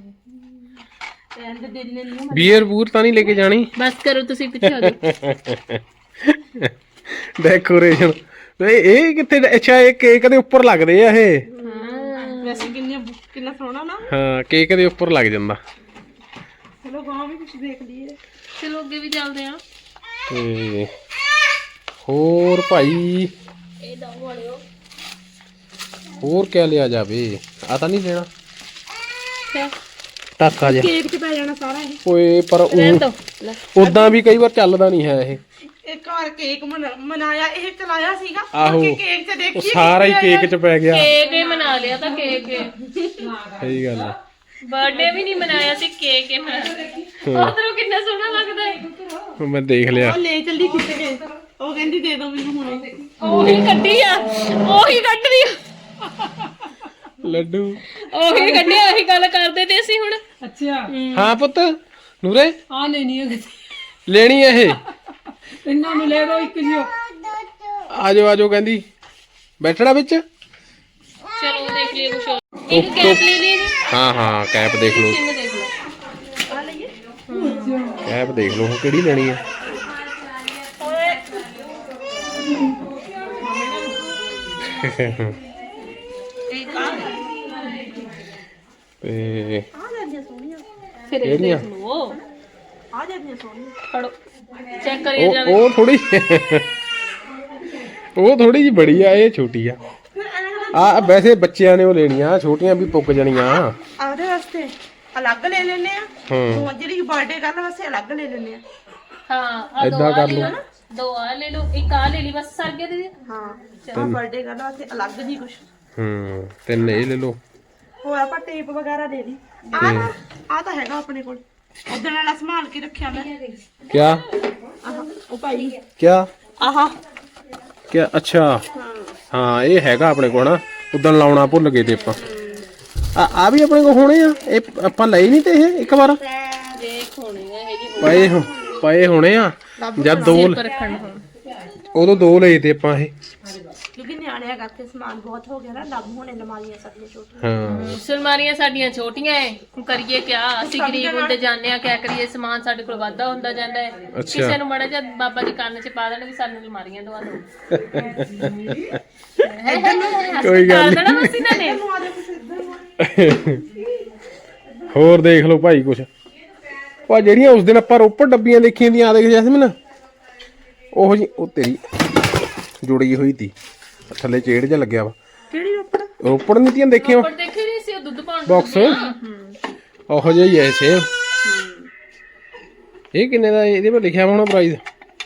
[SPEAKER 4] ਐਂਡ ਦਿਲ ਨੂੰ
[SPEAKER 1] ਬੀਅਰ ਬੂਰ ਤਾਂ ਨਹੀਂ ਲੈ ਕੇ ਜਾਣੀ।
[SPEAKER 2] ਬਸ ਕਰੋ ਤੁਸੀਂ ਪਿੱਛੇ ਹੋ ਜਾਓ
[SPEAKER 1] ਡੈਕੋਰੇਸ਼ਨ ਇਹ ਇਹ ਕਿੱਥੇ ਅੱਛਾ ਇਹ ਕੇਕ ਦੇ ਉੱਪਰ ਲੱਗਦੇ ਆ ਇਹ।
[SPEAKER 4] ਵੈਸੇ ਕਿੰਨੇ ਕਿੰਨਾ ਸੋਹਣਾ ਨਾ।
[SPEAKER 1] ਹਾਂ ਕੇਕ ਦੇ ਉੱਪਰ ਲੱਗ ਜਾਂਦਾ।
[SPEAKER 4] ਚਲੋ ਗਾਂ ਵੀ ਕੁਝ ਦੇਖ ਲਈਏ।
[SPEAKER 2] ਚਲੋ ਅੱਗੇ ਵੀ ਚੱਲਦੇ ਆ
[SPEAKER 1] ਤੇ ਹੋਰ ਭਾਈ
[SPEAKER 2] ਇਹ ਦੋ ਵਾਲਿਓ
[SPEAKER 1] ਹੋਰ ਕਿਆ ਲਿਆ ਜਾਵੇ ਆ ਤਾਂ ਨਹੀਂ ਲੈਣਾ
[SPEAKER 2] ਕਿਆ
[SPEAKER 1] ਟਾਕਾ ਜਿਹਾ
[SPEAKER 4] ਕੇਕ 'ਚ ਪੈ ਜਾਣਾ ਸਾਰਾ ਇਹ।
[SPEAKER 1] ਓਏ ਪਰ
[SPEAKER 2] ਰਹਿਣ ਦੋ ਲੈ
[SPEAKER 1] ਉਦਾਂ ਵੀ ਕਈ ਵਾਰ ਚੱਲਦਾ ਨਹੀਂ ਹੈ ਇਹ।
[SPEAKER 4] ਇੱਕ ਵਾਰ ਕੇਕ ਮਨਾ- ਮਨਾਇਆ ਇਹ ਚਲਾਇਆ ਸੀਗਾ
[SPEAKER 1] ਆਹੋ।
[SPEAKER 4] ਬਾਕੀ ਕੇਕ 'ਚ
[SPEAKER 1] ਉਹ
[SPEAKER 4] ਦੇਖੀ
[SPEAKER 1] ਸਾਰਾ ਹੀ ਕੇਕ 'ਚ ਪੈ ਗਿਆ।
[SPEAKER 2] ਕੇਕ ਹੀ ਮਨਾ ਲਿਆ ਤਾਂ ਕੇਕ
[SPEAKER 1] ਸਹੀ ਗੱਲ ਆ।
[SPEAKER 2] ਬਰਥਡੇ ਵੀ ਨਹੀਂ ਮਨਾਇਆ ਸੀ ਕੇਕ ਹੀ ਮਨਾਇਆ ਉਧਰੋਂ ਕਿੰਨਾ ਸੋਹਣਾ ਲੱਗਦਾ ਹੈ
[SPEAKER 1] ਹੁਣ ਮੈਂ ਦੇਖ ਲਿਆ।
[SPEAKER 4] ਉਹ ਲੈ ਚੱਲੀ ਖਿੱਚ ਕੇ ਉਹ ਕਹਿੰਦੀ ਦੇ ਦੋ ਮੈਨੂੰ ਹੁਣੇ।
[SPEAKER 2] ਉਹੀ ਕੱਢੀ ਆ ਉਹੀ ਕੱਢਦੀ ਆ
[SPEAKER 1] ਲੱਡੂ
[SPEAKER 2] ਉਹੀ ਕੱਢਿਆ ਉਹੀ ਗੱਲ ਕਰਦੇ ਤੇ ਅਸੀਂ ਹੁਣ
[SPEAKER 3] ਅੱਛਾ
[SPEAKER 1] ਹਾਂ ਪੁੱਤ ਨੂਰੇ
[SPEAKER 3] ਆ ਲੈਣੀ ਹੈ
[SPEAKER 1] ਲੈਣੀ ਆ ਇਹ।
[SPEAKER 3] ਇਹਨਾਂ ਨੂੰ ਲੈ ਦੋ ਇੱਕ ਜਿਓ
[SPEAKER 1] ਆਜੋ ਆਜੋ ਕਹਿੰਦੀ ਬੈਠਣਾ ਵਿੱਚ।
[SPEAKER 2] ਚਲੋ ਦੇਖ ਲਈਏ ਕੁਛ ਹੋਰ ਇੱਕ ਕੈਪ ਲੈ ਲਈ ਜੀ
[SPEAKER 1] ਹਾਂ ਹਾਂ ਕੈਪ ਦੇਖ ਲਓ
[SPEAKER 2] ਸਿੰਗ ਦੇਖ ਲਓ
[SPEAKER 1] ਕੈਪ ਦੇਖ ਲਓ ਹੁਣ ਕਿਹੜੀ ਲੈਣੀ ਆ। ਤੇ
[SPEAKER 4] ਆ ਜਾਂਦੀਆਂ ਸੋਹਣੀਆਂ
[SPEAKER 2] ਫਿਰ ਇਹ
[SPEAKER 1] ਕਿਹੜੀਆਂ?
[SPEAKER 2] ਦੇਖ ਲਓ
[SPEAKER 4] ਆ ਜਾਂਦੀਆਂ ਸੋਹਣੀਆਂ।
[SPEAKER 2] ਫੜੋ ਚੈੱਕ ਕਰੀਏ
[SPEAKER 1] ਉਹ
[SPEAKER 2] ਜਾਵੇ
[SPEAKER 1] ਉਹ ਥੋੜੀ ਉਹ ਥੋੜੀ ਜੀ ਬੜੀ ਆ ਇਹ ਛੋਟੀ ਆ।
[SPEAKER 4] ਫਿਰ ਐਂ
[SPEAKER 1] ਆ ਵੈਸੇ ਬੱਚਿਆਂ ਨੇ ਉਹ ਲੈਣੀਆਂ ਛੋਟੀਆਂ ਵੀ ਪੁੱਕ ਜਾਣੀਆਂ।
[SPEAKER 4] ਆਪਦੇ ਵਾਸਤੇ ਅਲੱਗ ਲੈ ਲੈਣੇ ਆ।
[SPEAKER 1] ਹਾਂ
[SPEAKER 4] ਉਹ ਜਿਹੜੀ ਬਰਥਡੇ ਕਰਨ ਵਾਸਤੇ ਅਲੱਗ ਲੈ ਲੈਣੇ ਆ।
[SPEAKER 2] ਹਾਂ ਆ ਦੋ
[SPEAKER 1] ਏਦਾਂ
[SPEAKER 2] ਆ
[SPEAKER 1] ਕਰ
[SPEAKER 2] ਲੈ ਲਓ
[SPEAKER 1] ਲਓ।
[SPEAKER 2] ਨਾ ਦੋ ਆ ਲੈ ਲਓ ਇੱਕ ਆ ਲੈ ਲਈ ਬਸ ਸਰ ਗਿਆ ਦੀਦੀ
[SPEAKER 4] ਹਾਂ ਚਲੋ ਬਰਥਡੇ ਕਰਨ ਵਾਸਤੇ ਅਲੱਗ ਜੀ ਕੁਛ
[SPEAKER 1] ਹੂੰ ਤਿੰਨ ਇਹ ਲੈ ਲਓ।
[SPEAKER 4] ਹੋਰ ਆਪਾਂ ਟੇਪ ਵਗੈਰਾ ਲੈ ਲਈ। ਆ ਨਾ ਆ ਤਾਂ ਹੈਗਾ ਆਪਣੇ ਕੋਲ ਉਦੋਂ ਵਾਲਾ ਸੰਭਾਲ ਕੇ ਰੱਖਿਆ ਮੈਂ।
[SPEAKER 1] ਕਿਆ
[SPEAKER 4] ਆਹ ਉਹ ਭਾਈ
[SPEAKER 1] ਕਿਆ
[SPEAKER 4] ਆਹਾ
[SPEAKER 1] ਕਿਆ ਅੱਛਾ ਹਾਂ ਇਹ ਹੈਗਾ ਆਪਣੇ ਕੋਲ ਨਾ ਉਦੋਂ ਲਾਉਣਾ ਭੁੱਲ ਗਏ ਤੇ ਆਪਾਂ। ਆ ਆ ਵੀ ਆਪਣੇ ਕੋਲ ਹੋਣੇ ਆ ਇਹ ਆਪਾਂ ਲਈ ਨਹੀਂ ਤੇ ਇਹ ਇੱਕ ਵਾਰ
[SPEAKER 2] ਦੇਖ ਹੋਣੀ ਹੈ ਇਹ ਜੀ
[SPEAKER 1] ਪਏ ਹੋ ਪਏ ਹੋਣੇ ਆ ਜਦ ਦੋ
[SPEAKER 2] ਪਰ ਰੱਖਣ ਹੁਣ
[SPEAKER 1] ਉਦੋਂ ਦੋ ਲਏ ਤੇ ਆਪਾਂ ਇਹ।
[SPEAKER 4] ਕਿਉਂਕਿ ਨਿਆਣੇ ਨਿਆਣਿਆਂ ਕਰਕੇ ਸਮਾਨ ਬਹੁਤ ਹੋ ਗਿਆ ਨਾ, ਲੱਭ ਹੋਣੇ ਅਲਮਾਰੀਆਂ ਸਾਡੀਆਂ ਛੋਟੀਆਂ।
[SPEAKER 1] ਹਾਂ
[SPEAKER 2] ਸੁਲਮਾਰੀਆਂ ਸਾਡੀਆਂ ਛੋਟੀਆਂ ਐ, ਕਰੀਏ ਕਿਆ? ਅਸੀਂ ਗਰੀਬ ਹੁੰਦੇ ਜਾਂਦੇ ਆ, ਕਿਆ ਕਰੀਏ? ਸਮਾਨ ਸਾਡੇ ਕੋਲ ਵਾਧਾ ਹੁੰਦਾ ਜਾਂਦਾ ਹੈ।
[SPEAKER 1] ਅੱਛਾ।
[SPEAKER 2] ਕਿਸੇ ਨੂੰ ਮੜਾ ਜਾ ਬਾਬਾ ਜੀ ਕੰਨ 'ਚ ਪਾ ਦੇਣ ਵੀ ਸਾਨੂੰ ਅਲਮਾਰੀਆਂ ਦਵਾ ਦਿਓ।
[SPEAKER 1] ਕੋਈ ਗੱਲ
[SPEAKER 2] ਕਰ ਦੇਣਾ ਬਸ ਇਹਨਾਂ ਨੇ।
[SPEAKER 1] ਹੋਰ ਦੇਖ ਲਓ ਭਾਈ ਕੁਛ ਪਾ ਜਿਹੜੀਆਂ ਉਸ ਦਿਨ ਆਪਾਂ ਰੋਪੜ ਡੱਬੀਆਂ ਦੇਖੀਆਂ ਦੀਆਂ, ਆ ਦੇਖ ਜੈਸਮੀਨ ਉਹ ਜੀ ਉਹ ਤੇਰੀ ਜੁੜੀ ਹੋਈ ਤੀ ਥੱਲੇ ਚੇੜ ਜਿਹਾ ਲੱਗਿਆ ਵਾ।
[SPEAKER 4] ਕਿਹੜੀ ਰੋਪੜ?
[SPEAKER 1] ਰੋਪੜ ਨਹੀਂ ਤੀਆਂ ਦੇਖੀਆਂ
[SPEAKER 2] ਪਰ ਦੇਖੇ ਨਹੀਂ ਸੀ ਉਹ ਦੁੱਧ ਪਾਉਣ
[SPEAKER 1] ਬਾਕਸ ਉਹੋ ਜਿਹਾ ਹੀ ਐ ਸੇਮ। ਇਹ ਕਿੰਨੇ ਦਾ? ਇਹਦੇ ਪਰ ਲਿਖਿਆ ਹੋਣਾ ਪ੍ਰਾਈਸ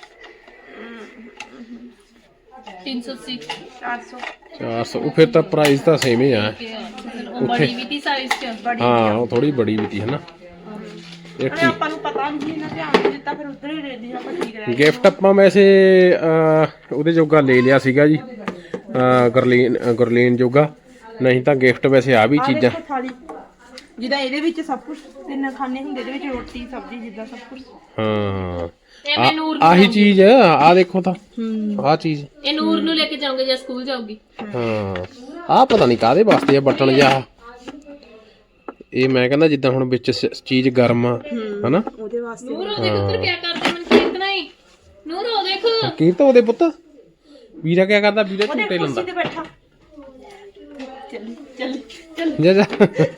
[SPEAKER 2] ਤਿੰਨ ਸੌ ਅੱਸੀ
[SPEAKER 4] ਚਾਰ ਸੌ।
[SPEAKER 1] ਚਾਰ ਸੌ। ਉਹ ਫਿਰ ਤਾਂ ਪ੍ਰਾਈਸ ਤਾਂ ਸੇਮ ਹੀ ਆ।
[SPEAKER 2] ਉਹ ਬੜੀ ਵੀ ਤੀ ਸਾਈਜ਼ 'ਚ।
[SPEAKER 1] ਹਾਂ ਉਹ ਥੋੜੀ ਬੜੀ ਵੀ ਤੀ ਹਨਾ। ਇਹ
[SPEAKER 4] ਅਰੇ ਆਪਾਂ ਨੂੰ ਪਤਾ ਨਹੀਂ ਇਹਨਾਂ ਧਿਆਨ ਨਹੀਂ ਦਿੱਤਾ, ਫਿਰ ਉਧਰ ਹੀ ਲੈ ਲਈ ਆਪਾਂ, ਠੀਕ ਰਹਿ
[SPEAKER 1] ਗਿਫਟ ਆਪਾਂ ਵੈਸੇ ਅਹ, ਉਹਦੇ ਜੋਗਾ ਲੈ ਲਿਆ ਸੀਗਾ ਜੀ, ਅਹ, ਗੁਰਲੀਨ ਗੁਰਲੀਨ ਜੋਗਾ। ਨਹੀਂ ਤਾਂ ਗਿਫਟ ਵੈਸੇ ਆ ਵੀ
[SPEAKER 4] ਆਹ
[SPEAKER 1] ਚੀਜ਼ਾਂ
[SPEAKER 4] ਦੇਖੋ ਥਾਲੀ, ਜਿੱਦਾਂ ਇਹਦੇ ਵਿੱਚ ਸਭ ਕੁਝ ਤਿੰਨ ਖਾਣੇ ਹੁੰਦੇ, ਇਹਦੇ ਵਿੱਚ ਰੋਟੀ ਸਬਜ਼ੀ ਜਿੱਦਾਂ ਸਭ ਕੁਝ।
[SPEAKER 1] ਹਾਂ
[SPEAKER 2] ਇਹ ਮੈਂ ਨੂਰ ਨੂੰ
[SPEAKER 1] ਆਹੀ ਚੀਜ਼ ਆ ਦੇਖੋ ਤਾਂ ਆਹ ਚੀਜ਼
[SPEAKER 2] ਇਹ ਨੂਰ ਨੂੰ ਲੈ ਕੇ ਜਾਉਂਗੇ ਜਾਂ ਸਕੂਲ ਜਾਊਗੀ।
[SPEAKER 1] ਹਾਂ ਆਹ ਪਤਾ ਨਹੀਂ ਕਾਹਦੇ ਵਾਸਤੇ ਆ ਬਟਨ ਜਿਹਾ। ਇਹ ਮੈਂ ਕਹਿੰਦਾ ਜਿੱਦਾਂ ਹੁਣ ਵਿੱਚ ਸ- ਚੀਜ਼ ਗਰਮ ਆ ਹਨਾ।
[SPEAKER 4] ਉਹਦੇ ਵਾਸਤੇ
[SPEAKER 2] ਨੂਰ ਉਹ ਦੇਖ ਉੱਧਰ ਕਿਆ ਕਰਦੇ ਮਨ ਕੀਰਤਨਾ ਹੀ। ਨੂਰ ਉਹ ਦੇਖ
[SPEAKER 1] ਕੀ ਤਾਂ ਉਹਦੇ ਪੁੱਤ ਵੀਰਾ ਕਿਆ ਕਰਦਾ? ਵੀਰਾ ਝੂਟੇ
[SPEAKER 4] ਕੁਰਸੀ
[SPEAKER 1] ਲੈਂਦਾ।
[SPEAKER 4] ਤੇ ਬੈਠਾ। ਚੱਲ ਚੱਲ ਚੱਲ।
[SPEAKER 1] ਜਾ ਜਾ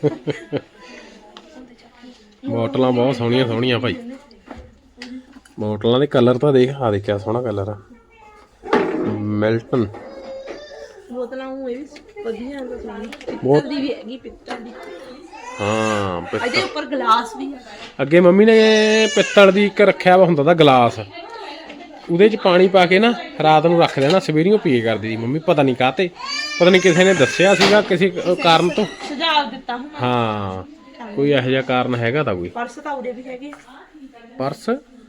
[SPEAKER 1] ਬੋਟਲਾਂ ਬਹੁਤ ਸੋਹਣੀਆਂ ਸੋਹਣੀਆਂ ਭਾਈ। ਬੋਟਲਾਂ ਦੇ ਕਲਰ ਤਾਂ ਦੇਖ, ਆ ਦੇਖ ਕਿਆ ਸੋਹਣਾ ਕਲਰ ਆ। ਮਿਲਟਨ
[SPEAKER 4] ਬੋਤਲਾਂ ਉਹ ਇਹ ਵੀ ਵਧੀਆ ਹੈ, ਸੋਹਣੀ
[SPEAKER 1] ਬਹੁਤ-
[SPEAKER 4] ਪਿੱਤਲ ਦੀ ਵੀ ਹੈਗੀ, ਪਿੱਤਲ ਦੀ।
[SPEAKER 1] ਹਾਂ ਪਿ-
[SPEAKER 4] ਇਹਦੇ ਉੱਪਰ ਗਲਾਸ ਵੀ ਹੈ।
[SPEAKER 1] ਅੱਗੇ ਮੰਮੀ ਨੇ ਪਿੱਤਲ ਦੀ ਇੱਕ ਰੱਖਿਆ ਵਾ ਹੁੰਦਾ ਤਾਂ ਗਲਾਸ, ਉਹਦੇ ਚ ਪਾਣੀ ਪਾ ਕੇ ਨਾ ਰਾਤ ਨੂੰ ਰੱਖ ਦੇਣਾ, ਸਵੇਰੀਓ ਪੀਏ ਕਰਦੀ ਸੀ ਮੰਮੀ। ਪਤਾ ਨਹੀਂ ਕਾਹਤੇ, ਪਤਾ ਨਹੀਂ ਕਿਸੇ ਨੇ ਦੱਸਿਆ ਸੀਗਾ ਕਿਸੇ ਕਾਰਨ ਤੋਂ।
[SPEAKER 4] ਸੁਝਾਅ ਦਿੱਤਾ ਹੁਣ।
[SPEAKER 1] ਹਾਂ ਕੋਈ ਇਹੋ ਜਿਹਾ ਕਾਰਨ ਹੈਗਾ ਤਾਂ ਕੋਈ।
[SPEAKER 4] ਪਰਸ ਤਾਂ ਉਰੇ ਵੀ ਹੈਗੇ।
[SPEAKER 1] ਪਰਸ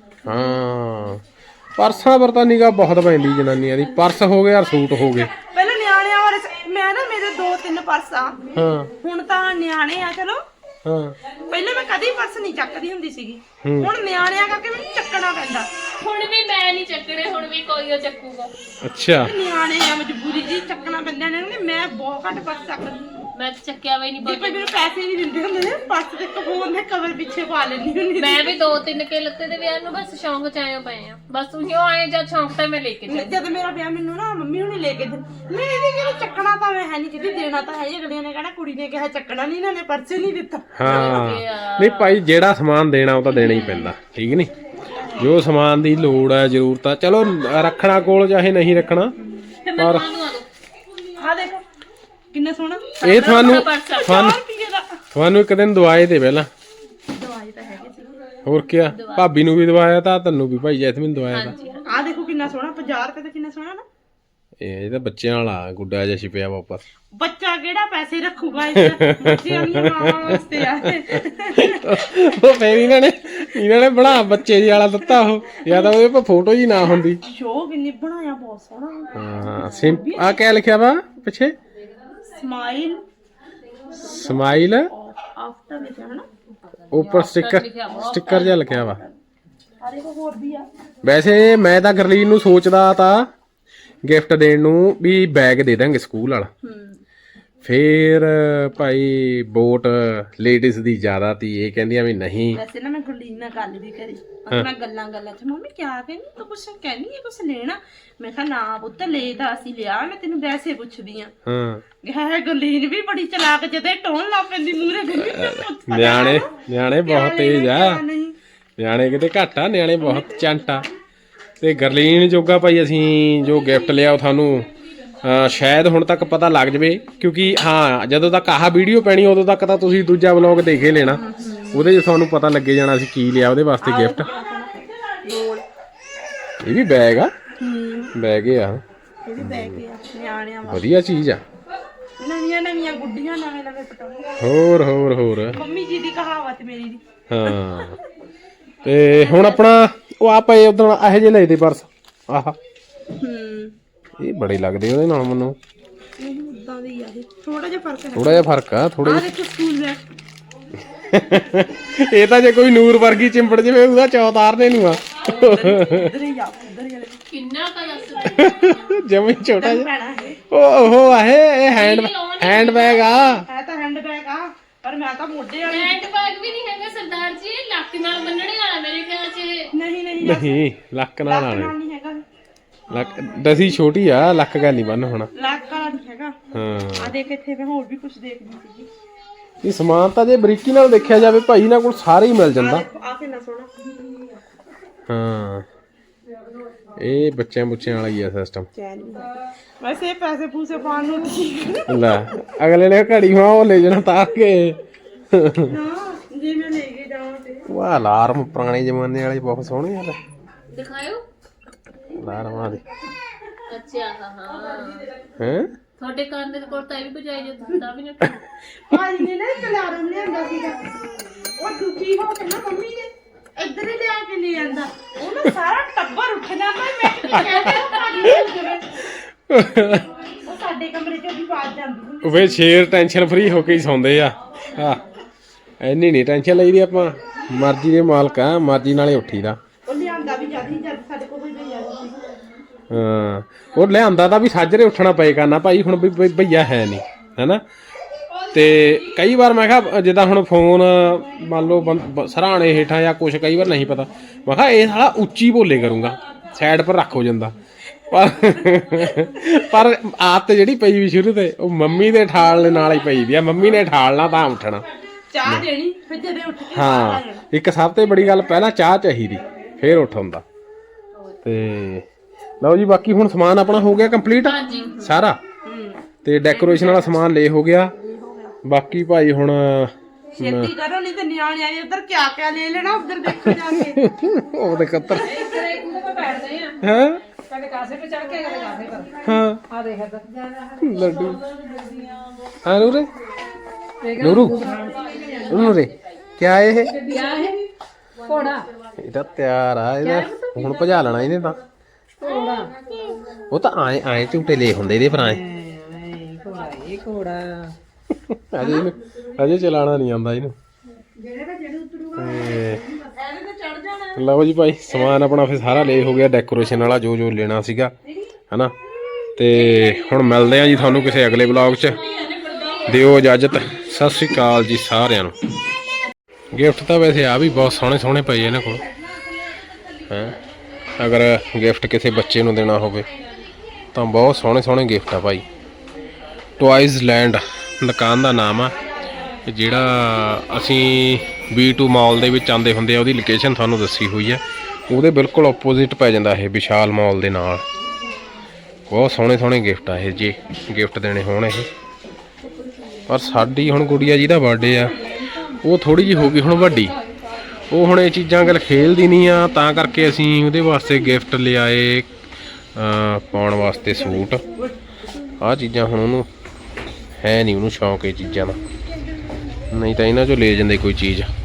[SPEAKER 1] ਹਾਂ ਪਰਸਾਂ ਪਰ ਤਾਂ ਨਿਗਾਹ ਬਹੁਤ ਪੈਂਦੀ ਜਨਾਨੀਆਂ ਦੀ। ਪਰਸ ਹੋ ਗਏ ਔਰ ਸੂਟ ਹੋ ਗਏ।
[SPEAKER 4] ਪਹਿਲਾਂ ਨਿਆਣਿਆਂ ਬਾਰੇ ਸ- ਮੈਂ ਨਾ ਮੇਰੇ ਦੋ ਤਿੰਨ ਪਰਸ ਆ,
[SPEAKER 1] ਹਾਂ
[SPEAKER 4] ਹੁਣ ਤਾਂ ਨਿਆਣੇ ਆ ਚਲੋ।
[SPEAKER 1] ਹਾਂ
[SPEAKER 4] ਪਹਿਲਾਂ ਮੈਂ ਕਦੀ ਪਰਸ ਨਹੀਂ ਚੱਕਦੀ ਹੁੰਦੀ ਸੀਗੀ,
[SPEAKER 1] ਹੂੰ।
[SPEAKER 4] ਹੁਣ ਨਿਆਣਿਆਂ ਕਰਕੇ ਮੈਨੂੰ ਚੱਕਣਾ ਪੈਂਦਾ।
[SPEAKER 2] ਹੁਣ ਵੀ ਮੈਂ ਨਹੀਂ ਚੱਕਣੇ, ਹੁਣ ਵੀ ਕੋਈ ਉਹ ਚੱਕੂਗਾ।
[SPEAKER 1] ਅੱਛਾ
[SPEAKER 4] ਨਿਆਣੇ ਆ, ਮਜਬੂਰੀ ਜੀ ਚੱਕਣਾ ਪੈਂਦਾ ਇਹਨਾਂ ਨੂੰ। ਮੈਂ ਬਹੁਤ ਘੱਟ ਪਰਸ ਚੱਕਦੀ।
[SPEAKER 2] ਮੈਂ ਤਾਂ ਚੱਕਿਆ ਵੀ ਨਹੀਂ
[SPEAKER 4] ਜੇ ਕੋਈ ਮੈਨੂੰ ਪੈਸੇ ਨਹੀਂ ਦਿੰਦੇ ਹੁੰਦੇ ਨੇ, ਪਰਸ ਦੇ ਕਫੋਨ ਦੇ ਕਵਰ ਪਿੱਛੇ ਪਾ ਲੈਂਦੀ ਹੁੰਦੀ ਸੀ।
[SPEAKER 2] ਮੈਂ ਵੀ ਦੋ ਤਿੰਨ ਕੇ ਲੱਤੇ ਦੇ ਵਿਆਹ ਨੂੰ ਬਸ ਸ਼ੌਂਕ ਚ ਆਏ ਪਏ ਆ। ਬਸ ਉਹੀ ਆਏ ਜਾਂ ਸ਼ੌਂਕ ਤਾਂ ਮੈਂ ਲੈ ਕੇ ਚੱਲੀ।
[SPEAKER 4] ਜਦ ਮੇਰਾ ਵਿਆਹ ਮੈਨੂੰ ਨਾ ਮੰਮੀ ਹੁਣੀ ਲੈ ਕੇ ਦਿੱਤੇ। ਮੈਂ ਇਹਦੇ ਕਿਹੜਾ ਚੱਕਣਾ ਤਾਂ ਮੈਂ ਹੈ ਨਹੀਂ, ਕਿਤੇ ਦੇਣਾ ਤਾਂ ਹੈ ਹੀ। ਅਗਲਿਆਂ ਨੇ ਕਹਿਣਾ ਕੁੜੀ ਨੇ ਕਿਹਾ ਚੱਕਣਾ ਨਹੀਂ, ਇਹਨਾਂ ਨੇ ਪਰਸ ਹੀ ਨਹੀਂ ਦਿੱਤਾ।
[SPEAKER 1] ਹਾਂ ਨਹੀਂ ਭਾਈ ਜਿਹੜਾ ਸਮਾਨ ਦੇਣਾ ਉਹ ਤਾਂ ਦੇਣਾ ਹੀ ਪੈਂਦਾ, ਠੀਕ ਨਹੀਂ? ਜੋ ਸਮਾਨ ਦੀ ਲੋੜ ਹੈ ਜ਼ਰੂਰਤ ਆ, ਚਲੋ ਰੱਖਣਾ ਕੋਲ ਚਾਹੇ ਨਹੀਂ ਰੱਖਣਾ।
[SPEAKER 2] ਤੇ ਮੈਂ
[SPEAKER 1] ਪਰ
[SPEAKER 2] ਤੁਹਾਨੂੰ ਆ ਦੋ
[SPEAKER 4] ਆਹ ਦੇਖੋ ਕਿੰਨਾ ਸੋਹਣਾ
[SPEAKER 1] ਇਹ ਤੁਹਾਨੂੰ
[SPEAKER 2] ਪਰਸ ਆ।
[SPEAKER 1] ਤੁਹਾਨੂੰ
[SPEAKER 4] ਰੁਪਏ ਦਾ।
[SPEAKER 1] ਤੁਹਾਨੂੰ ਇੱਕ ਦਿਨ ਦਵਾਏ ਤੇ ਪਹਿਲਾਂ
[SPEAKER 4] ਦਵਾਈ ਤਾਂ ਹੈਗੀ ਸੀ।
[SPEAKER 1] ਹੋਰ ਕਿਆ, ਭਾਬੀ ਨੂੰ ਵੀ ਦਵਾਇਆ ਤਾਂ ਤੈਨੂੰ ਵੀ ਭਾਈ ਜੈਸਮੀਨ ਦਵਾਇਆ ਤਾਂ।
[SPEAKER 4] ਆਹ ਦੇਖੋ ਕਿੰਨਾ ਸੋਹਣਾ, ਪੰਜਾਹ ਰੁਪਏ ਦਾ ਕਿੰਨਾ ਸੋਹਣਾ ਨਾ।
[SPEAKER 1] ਇਹ ਇਹਦਾ ਬੱਚਿਆਂ ਵਾਲਾ ਗੁੱਡਾ ਜਿਹਾ ਛਿਪਿਆ ਵਾਪਸ।
[SPEAKER 4] ਬੱਚਾ ਕਿਹੜਾ ਪੈਸੇ ਰੱਖੂਗਾ ਇਸ ਬੱਚਿਆਂ ਦੀਆਂ ਮਾਵਾਂ ਵਾਸਤੇ ਆ ਇਹ।
[SPEAKER 1] ਉਹ ਫੇਰ ਇਹਨਾਂ ਨੇ ਇਹਨਾਂ ਨੇ ਬਣਾ ਬੱਚੇ ਜੀ ਵਾਲਾ ਦਿੱਤਾ ਉਹ, ਜਾਂ ਤਾਂ ਉਹਦੇ ਪਰ ਫੋਟੋ ਜੀ ਨਾ ਹੁੰਦੀ।
[SPEAKER 4] ਸ਼ੋ ਕਿੰਨੀ ਬਣਾਇਆ, ਬਹੁਤ ਸੋਹਣਾ।
[SPEAKER 1] ਹਾਂ ਸਿੰ ਆ ਕਿਆ ਲਿਖਿਆ ਵਾ ਪਿੱਛੇ?
[SPEAKER 4] ਸਮਾਈਲ
[SPEAKER 1] ਸਮਾਈਲ
[SPEAKER 4] ਆਫਟਰ ਲਿਖਿਆ ਹੈ ਨਾ।
[SPEAKER 1] ਉੱਪਰ ਸਟicker ਸਟicker ਜਿਹਾ ਲਿਖਿਆ ਵਾ।
[SPEAKER 4] ਆਹ ਦੇਖੋ ਹੋਰ ਵੀ ਆ।
[SPEAKER 1] ਵੈਸੇ ਮੈਂ ਤਾਂ ਗਰਲੀਨ ਨੂੰ ਸੋਚਦਾ ਤਾਂ ਗਿਫਟ ਦੇਣ ਨੂੰ ਵੀ ਬੈਗ ਦੇ ਦਾਂਗੇ ਸਕੂਲ ਵਾਲਾ। ਫੇਰ ਭਾਈ ਵੋਟ ਲੇਡੀਜ਼ ਦੀ ਜ਼ਿਆਦਾ ਤੀ, ਇਹ ਕਹਿੰਦੀਆਂ ਵੀ ਨਹੀਂ।
[SPEAKER 4] ਵੈਸੇ ਨਾ ਮੈਂ ਗੁਰਲੀਨ ਨਾਲ ਗੱਲ ਵੀ ਕਰੀ, ਉਹ ਮੈਂ ਗੱਲਾਂ ਗੱਲਾਂ ਚ ਮੰਮੀ ਕਿਆ ਕਹਿੰਦੀ ਤੂੰ, ਕੁਛ ਕਹਿੰਦੀ ਹੈ ਕੁਛ ਲੈਣਾ? ਮੈਂ ਕਿਹਾ ਨਾ ਪੁੱਤ ਲੈ ਤਾਂ ਅਸੀਂ ਲਿਆ, ਮੈਂ ਤੈਨੂੰ ਵੈਸੇ ਪੁੱਛਦੀ ਆ।
[SPEAKER 1] ਹਾਂ
[SPEAKER 4] ਹੈ ਗੁਰਲੀਨ ਵੀ ਬੜੀ ਚਲਾਕ, ਜਦੇ ਟੋਨ ਲਾ ਪੈਂਦੀ ਮੂਹਰੇ ਗੰਨੀ।
[SPEAKER 1] ਨਿਆਣੇ ਨਿਆਣੇ ਬਹੁਤ ਤੇਜ਼ ਆ, ਨਿਆਣੇ ਕਿਤੇ ਘੱਟ ਆ, ਨਿਆਣੇ ਬਹੁਤ ਚੰਟ ਆ। ਤੇ ਗਰਲੀਨ ਜੋਗਾ ਭਾਈ ਅਸੀਂ ਜੋ ਗਿਫਟ ਲਿਆ ਉਹ ਤੁਹਾਨੂੰ ਅਹ ਸ਼ਾਇਦ ਹੁਣ ਤੱਕ ਪਤਾ ਲੱਗ ਜਵੇ, ਕਿਉਂਕਿ ਹਾਂ ਜਦੋਂ ਤੱਕ ਆਹ ਵੀਡੀਓ ਪੈਣੀ ਉਦੋਂ ਤੱਕ ਤਾਂ ਤੁਸੀਂ ਦੂਜਾ ਵਲੌਗ ਦੇਖੇ ਲੈਣਾ, ਉਹਦੇ 'ਚ ਤੁਹਾਨੂੰ ਪਤਾ ਲੱਗੇ ਜਾਣਾ ਅਸੀਂ ਕੀ ਲਿਆ ਉਹਦੇ ਵਾਸਤੇ ਗਿਫਟ। ਇਹ ਵੀ ਬੈਗ ਆ, ਬੈਗ ਆ,
[SPEAKER 4] ਇਹ ਵੀ ਬੈਗ ਆ ਨਿਆਣਿਆਂ ਵਾਸਤੇ,
[SPEAKER 1] ਵਧੀਆ ਚੀਜ਼ ਆ।
[SPEAKER 4] ਨਵੀਆਂ ਨਵੀਆਂ ਗੁੱਡੀਆਂ, ਨਵੇਂ ਨਵੇਂ ਪਟਾਕੇ।
[SPEAKER 1] ਹੋਰ ਹੋਰ ਹੋਰ
[SPEAKER 4] ਮੰਮੀ ਜੀ ਦੀ ਕਹਾਵਤ ਮੇਰੀ ਦੀ।
[SPEAKER 1] ਹਾਂ ਤੇ ਹੁਣ ਆਪਣਾ ਉਹ ਆ ਪਏ ਉਦੋਂ ਇਹੋ ਜਿਹੇ ਲਏ ਤੇ ਪਰਸ, ਆਹ
[SPEAKER 4] ਹੂੰ
[SPEAKER 1] ਇਹ ਬੜੇ ਲੱਗਦੇ ਉਹਦੇ ਨਾਲ ਮੈਨੂੰ।
[SPEAKER 4] ਨਹੀਂ ਉਦਾਂ ਦੇ ਹੀ ਆ ਇਹ, ਥੋੜਾ ਜਿਹਾ ਫਰਕ ਹੈ।
[SPEAKER 1] ਥੋੜਾ ਜਿਹਾ ਫਰਕ ਆ ਥੋੜਾ
[SPEAKER 4] ਆਹ
[SPEAKER 1] ਜਿਹਾ।
[SPEAKER 4] ਦੇਖੋ ਸਕੂਲ ਬੈਗ।
[SPEAKER 1] ਇਹ ਤਾਂ ਜੇ ਕੋਈ ਨੂਰ ਵਰਗੀ ਚਿੰਬੜ ਜਵੇ ਉਹਦਾ ਚੌ ਤਾਰਨੇ ਨੂੰ ਆ
[SPEAKER 4] ਉਧਰ ਹੀ ਆ ਉਧਰ ਹੀ
[SPEAKER 2] ਕਿੰਨਾ ਕਾ ਦੱਸ
[SPEAKER 1] ਜਮੀ ਛੋਟਾ ਜਿਹਾ
[SPEAKER 4] ਪੈਣਾ ਹੈ
[SPEAKER 1] ਉਹ ਉਹ ਆਹੇ ਇਹ ਹੈਂਡ ਹੈਂਡ ਬੈਗ ਆ
[SPEAKER 4] ਹੈ ਤਾਂ ਹੈਂਡ ਬੈਗ ਆ ਪਰ ਮੈਂ ਤਾਂ ਮੋਢੇ ਵਾਲੀ
[SPEAKER 2] ਹੈਂਡ ਬੈਗ ਵੀ ਨਹੀਂ ਹੈਗਾ ਸਰਦਾਰ ਜੀ, ਇਹ ਲੱਕ ਨਾਲ ਬੰਨਣੇ ਵਾਲਾ ਮੇਰੇ ਖਿਆਲ ਚ ਇਹ।
[SPEAKER 4] ਨਹੀਂ ਨਹੀਂ
[SPEAKER 1] ਨਹੀਂ ਲੱਕ ਨਾਲ ਆਣੇ
[SPEAKER 4] ਨਾਲ ਨਹੀਂ ਹੈਗਾ
[SPEAKER 1] ਲੱਕ ਦਸੀ ਛੋਟੀ ਆ ਲੱਕ ਗੱਲ ਨਹੀਂ ਬੰਨ ਹੋਣਾ
[SPEAKER 4] ਲੱਕ ਵਾਲਾ ਨਹੀਂ ਹੈਗਾ
[SPEAKER 1] ਹਾਂ
[SPEAKER 4] ਆ ਦੇਖ ਇੱਥੇ ਮੈਂ ਹੋਰ ਵੀ ਕੁਝ ਦੇਖਦੀ ਸੀਗੀ
[SPEAKER 1] ਇਹ ਸਮਾਨ ਤਾਂ ਜੇ ਬਰੀਕੀ ਨਾਲ ਦੇਖਿਆ ਜਾਵੇ ਭਾਈ ਇਹਨਾਂ ਕੋਲ ਸਾਰੇ ਹੀ ਮਿਲ ਜਾਂਦਾ
[SPEAKER 4] ਆ ਕਿੰਨਾ ਸੋਹਣਾ
[SPEAKER 1] ਹਾਂ ਇਹ ਬੱਚਿਆਂ ਬੁੱਚਿਆਂ ਵਾਲਾ ਹੀ ਆ ਸਿਸਟਮ
[SPEAKER 4] ਚੈਨ ਵੀ ਹੈ। ਵੈਸੇ ਇਹ ਪੈਸੇ ਪੂਸੇ ਪਾਉਣ ਨੂੰ ਠੀਕ
[SPEAKER 1] ਲੈ ਅਗਲੇ ਨੇ ਘੜੀ ਹਾਂ ਉਹ ਲੈ ਜਾਣਾ ਤਾਰ ਕੇ
[SPEAKER 4] ਨਾ ਜੇ ਮੈਂ ਲੈ ਕੇ ਜਾਵਾਂ ਤੇ
[SPEAKER 1] ਵਾਹ ਅਲਾਰਮ ਪੁਰਾਣੇ ਜ਼ਮਾਨੇ ਵਾਲੇ ਬਹੁਤ ਸੋਹਣੇ ਆ
[SPEAKER 2] ਦਿਖਾਇਓ।
[SPEAKER 1] ਅਲਾਰਮਾਂ ਦੇ
[SPEAKER 2] ਅੱਛਾ ਹਾਂ ਹਾਂ
[SPEAKER 1] ਹੈ
[SPEAKER 2] ਤੁਹਾਡੇ ਕੰਨ ਦੇ ਕੋਲ ਤਾਂ ਇਹ ਵੀ ਬਜਾਈ ਜਾਂਦੀ ਤਾਂ ਵੀ ਨਾ
[SPEAKER 4] ਭਾਜੀ ਨੇ ਨਾ ਇੱਕ ਅਲਾਰਮ ਲਿਆਂਦਾ ਸੀਗਾ ਉਹ ਦੁਖੀ ਹੋ ਕੇ ਨਾ ਮੰਮੀ ਨੇ ਇੱਧਰ ਹੀ ਲਿਆ ਕੇ ਲੈ ਆਂਦਾ ਉਹ ਨਾ ਸਾਰਾ ਟੱਬਰ ਉੱਠ ਜਾਂਦਾ ਮੈਂ ਕਿਤੇ ਕਹਿੰਦੇ ਉਹ ਭਾਜੀ ਨੇ ਉੱਧਰ ਉਹ ਸਾਡੇ ਕਮਰੇ ਚੋਂ ਵੀ ਆਵਾਜ਼ ਜਾਂਦੀ ਹੁੰਦੀ
[SPEAKER 1] ਵੇ ਸ਼ੇਰ ਟੈਨਸ਼ਨ ਫਰੀ ਹੋ ਕੇ ਹੀ ਸੌਂਦੇ ਆ ਹਾਂ ਐਨੀ ਨਹੀਂ ਟੈਨਸ਼ਨ ਲਈਦੀ ਆਪਾਂ ਮਰਜ਼ੀ ਦੇ ਮਾਲਕ ਆ ਮਰਜ਼ੀ ਨਾਲੇ ਉੱਠੀਦਾ
[SPEAKER 4] ਉਹ ਲਿਆਂਦਾ ਵੀ ਜਦ ਹੀ ਜਦ ਸਾਡੇ ਕੋਲ ਹੀ ਜਾਂਦੀ ਸੀ
[SPEAKER 1] ਹਾਂ ਉਹ ਲਿਆਂਦਾ ਤਾਂ ਵੀ ਸਾਜਰੇ ਉੱਠਣਾ ਪਏਗਾ ਨਾ ਭਾਈ ਹੁਣ ਵੀ ਵੀ ਭਈਆ ਹੈ ਨਹੀਂ ਹੈਨਾ ਤੇ ਕਈ ਵਾਰ ਮੈਂ ਕਿਹਾ ਜਿੱਦਾਂ ਹੁਣ ਫੋਨ ਮੰਨ ਲਓ ਬੰ- ਸਰਾਣੇ ਹੇਠਾਂ ਜਾਂ ਕੁਛ ਕਈ ਵਾਰ ਨਹੀਂ ਪਤਾ ਮੈਂ ਕਿਹਾ ਇਹ ਸਾਲਾ ਉੱਚੀ ਬੋਲੇ ਕਰੂੰਗਾ ਸਾਈਡ ਪਰ ਰੱਖ ਹੋ ਜਾਂਦਾ ਪਰ ਪਰ ਆਦਤ ਜਿਹੜੀ ਪਈ ਵੀ ਸ਼ੁਰੂ ਤੇ ਉਹ ਮੰਮੀ ਦੇ ਠਾਲ ਨਾਲ ਹੀ ਪਈ ਵੀ ਆ ਮੰਮੀ ਨੇ ਠਾਲਣਾ ਤਾਂ ਉੱਠਣਾ
[SPEAKER 4] ਚਾਹ ਦੇਣੀ ਫਿਰ ਜਦੇ ਉੱਠ ਕੇ
[SPEAKER 1] ਹਾਂ ਇੱਕ ਸਭ ਤੋਂ ਬੜੀ ਗੱਲ ਪਹਿਲਾਂ ਚਾਹ ਚਾਹੀਦੀ ਫੇਰ ਉੱਠ ਹੁੰਦਾ ਤੇ ਲਓ ਜੀ ਬਾਕੀ ਹੁਣ ਸਮਾਨ ਆਪਣਾ ਹੋ ਗਿਆ ਕੰਪਲੀਟ
[SPEAKER 2] ਹਾਂਜੀ
[SPEAKER 1] ਸਾਰਾ ਤੇ ਡੈਕੋਰੇਸ਼ਨ ਵਾਲਾ ਸਮਾਨ ਲੈ ਹੋ ਗਿਆ ਬਾਕੀ ਭਾਈ ਹੁਣ
[SPEAKER 4] ਛੇਤੀ ਕਰੋ ਨਹੀਂ ਤੇ ਨਿਆਣੇ ਆਏ ਉਧਰ ਕਿਆ ਕਿਆ ਲੈ ਲੈਣਾ ਉਧਰ ਦੇਖੋ ਜਾ ਕੇ
[SPEAKER 1] ਉਹਦੇ ਕੱਤਰ
[SPEAKER 3] ਇੱਧਰ ਇੱਕ ਉਹਦੇ ਤੇ ਬੈਠਦੇ ਆ
[SPEAKER 1] ਹਾਂ
[SPEAKER 3] ਕਦੇ ਕਾਸੇ ਤੇ ਚੜ ਕੇ ਕਦੇ ਕਾਸੇ ਪਰ
[SPEAKER 1] ਹਾਂ
[SPEAKER 3] ਆ ਦੇਖ ਇੱਧਰ
[SPEAKER 1] ਲੱਡੂ ਹਾਂ ਨੂਰੇ
[SPEAKER 3] ਦੇਖ
[SPEAKER 1] ਨੂਰੂ ਨੂਰੇ ਕਿਆ ਇਹ
[SPEAKER 3] ਵਿਆਹ ਹੈ ਘੋੜਾ
[SPEAKER 1] ਇਹ ਤਾਂ ਤਿਆਰ ਆ ਇਹਦਾ ਹੁਣ ਭਜਾ ਲੈਣਾ ਇਹਨੇ ਤਾਂ
[SPEAKER 3] ਘੋੜਾ
[SPEAKER 1] ਉਹ ਤਾਂ ਆਏ ਆਏ ਝੂਟੇ ਲੈ ਹੁੰਦੇ ਇਹਦੇ ਪਰ ਆਏ
[SPEAKER 3] ਐ ਘੋੜਾ ਇਹ ਘੋੜਾ
[SPEAKER 1] ਅਜੇ ਇਹਨੂੰ ਅਜੇ ਚਲਾਣਾ ਨਹੀਂ ਆਉਂਦਾ ਇਹਨੂੰ ਤੇ ਲਓ ਜੀ ਭਾਈ ਸਮਾਨ ਆਪਣਾ ਫਿਰ ਸਾਰਾ ਲੈ ਹੋ ਗਿਆ ਡੈਕੋਰੇਸ਼ਨ ਵਾਲਾ ਜੋ ਜੋ ਲੈਣਾ ਸੀਗਾ ਹਨਾ ਤੇ ਹੁਣ ਮਿਲਦੇ ਆ ਜੀ ਤੁਹਾਨੂੰ ਕਿਸੇ ਅਗਲੇ ਵਲੌਗ 'ਚ ਦਿਓ ਇਜਾਜ਼ਤ ਸਤਿ ਸ਼੍ਰੀ ਅਕਾਲ ਜੀ ਸਾਰਿਆਂ ਨੂੰ ਗਿਫਟ ਤਾਂ ਵੈਸੇ ਆ ਵੀ ਬਹੁਤ ਸੋਹਣੇ ਸੋਹਣੇ ਪਏ ਇਹਨਾਂ ਕੋਲ ਹੈ ਅਗਰ ਗਿਫਟ ਕਿਸੇ ਬੱਚੇ ਨੂੰ ਦੇਣਾ ਹੋਵੇ ਤਾਂ ਬਹੁਤ ਸੋਹਣੇ ਸੋਹਣੇ ਗਿਫਟ ਆ ਭਾਈ ਟੁਆਇਜ਼ ਲੈਂਡ ਦੁਕਾਨ ਦਾ ਨਾਮ ਆ ਜਿਹੜਾ ਅਸੀਂ ਬੀ ਟੂ ਮਾਲ ਦੇ ਵਿੱਚ ਆਉਂਦੇ ਹੁੰਦੇ ਆ ਉਹਦੀ ਲੋਕੇਸ਼ਨ ਤੁਹਾਨੂੰ ਦੱਸੀ ਹੋਈ ਆ ਉਹਦੇ ਬਿਲਕੁਲ ਆਪੋਜ਼ਿਟ ਪੈ ਜਾਂਦਾ ਇਹ ਵਿਸ਼ਾਲ ਮਾਲ ਦੇ ਨਾਲ ਬਹੁਤ ਸੋਹਣੇ ਸੋਹਣੇ ਗਿਫਟ ਆ ਇਹ ਜੇ ਗਿਫਟ ਦੇਣੇ ਹੋਣ ਇਹ ਪਰ ਸਾਡੀ ਹੁਣ ਗੁੜੀਆ ਜਿਹਦਾ ਬਰਥਡੇ ਆ ਉਹ ਥੋੜੀ ਜਿਹੀ ਹੋ ਗਈ ਹੁਣ ਵੱਡੀ ਉਹ ਹੁਣ ਇਹ ਚੀਜ਼ਾਂ ਗੱਲ ਖੇਲਦੀ ਨਹੀਂ ਆ ਤਾਂ ਕਰਕੇ ਅਸੀਂ ਉਹਦੇ ਵਾਸਤੇ ਗਿਫਟ ਲਿਆਏ ਪਾਉਣ ਵਾਸਤੇ ਸੂਟ ਆਹ ਚੀਜ਼ਾਂ ਹੁਣ ਉਹਨੂੰ ਹੈ ਨਹੀਂ ਉਹਨੂੰ ਸ਼ੌਂਕ ਇਹ ਚੀਜ਼ਾਂ ਦਾ ਨਹੀਂ ਤਾਂ ਇਹਨਾਂ ਚੋਂ ਲੈ ਜਾਂਦੇ ਕੋਈ ਚੀਜ਼